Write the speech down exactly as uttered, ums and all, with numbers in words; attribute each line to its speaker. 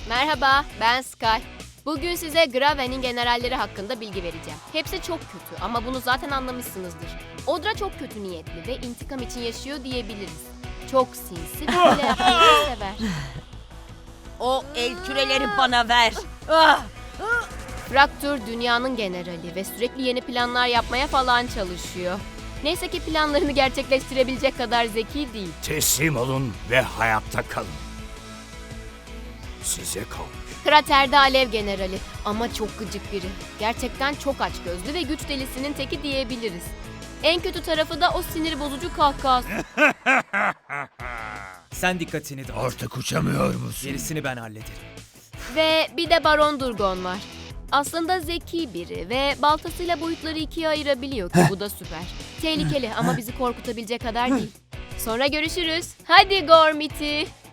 Speaker 1: Merhaba, ben Sky. Bugün size Graven'in generalleri hakkında bilgi vereceğim. Hepsi çok kötü ama bunu zaten anlamışsınızdır. Odra çok kötü niyetli ve intikam için yaşıyor diyebiliriz. Çok sinsi ve hile yapmayı sever.
Speaker 2: O el küreleri bana ver. Ah!
Speaker 1: Fraktur dünyanın generali ve sürekli yeni planlar yapmaya falan çalışıyor. Neyse ki planlarını gerçekleştirebilecek kadar zeki değil.
Speaker 3: Teslim olun ve hayatta kalın. Size kalmış.
Speaker 1: Kraterde alev generali ama çok gıcık biri. Gerçekten çok açgözlü ve güç delisinin teki diyebiliriz. En kötü tarafı da o sinir bozucu kahkahası.
Speaker 4: Sen dikkatini dağıt.
Speaker 3: Artık uçamıyor musun?
Speaker 4: Gerisini ben hallederim.
Speaker 1: Ve bir de Baron Durgon var. Aslında zeki biri ve baltasıyla boyutları ikiye ayırabiliyor ki bu da süper. Tehlikeli ama bizi korkutabilecek kadar değil. Sonra görüşürüz. Hadi Gormiti.